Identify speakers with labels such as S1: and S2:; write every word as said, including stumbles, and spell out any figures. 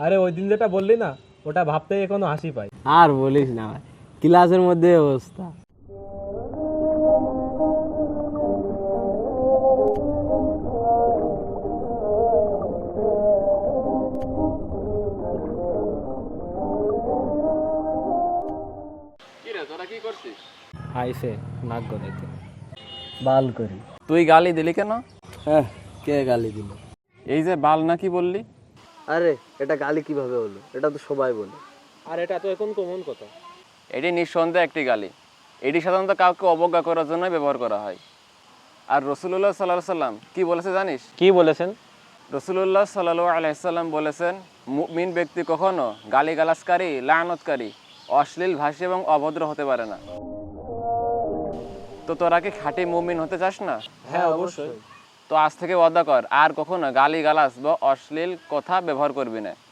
S1: আরে ওই দিন যেটা বললি না, ওটা ভাবতেই এখনো হাসি পায়।
S2: আর বলিস না ভাই, ক্লাসের মধ্যে এই অবস্থা।
S1: আইসে নাক গলাইতে।
S2: বাল করি।
S3: তুই গালি দিলি কেন?
S2: হ্যাঁ, কে গালি দিল?
S3: এই যে বাল নাকি বললি?
S2: আরে এটা গালি কিভাবে হলো? এটা তো সবাই বলে।
S1: আর এটা তো এখন কমন কথা।
S3: এটি নিঃসন্দেহে একটি গালি। এটি সাধারণত কাউকে অবজ্ঞা করার জন্য ব্যবহার করা হয়। আর রসুল্লাহ সাল্লাহ সাল্লাম কি বলেছে জানিস?
S1: কি বলেছেন?
S3: রসুল্লাহ সাল্লাহ আলাইসাল্লাম বলেছেন, মুমিন ব্যক্তি কখনো গালিগালাজকারী, লানতকারী, অশ্লীল ভাষী এবং অভদ্র হতে পারে না। তো তোরা কি খাঁটি মুমিন হতে চাস না?
S1: হ্যাঁ অবশ্যই।
S3: তো আজ থেকে ওয়াদা কর আর কখনো গালিগালাজ বা অশ্লীল কথা ব্যবহার করবি না।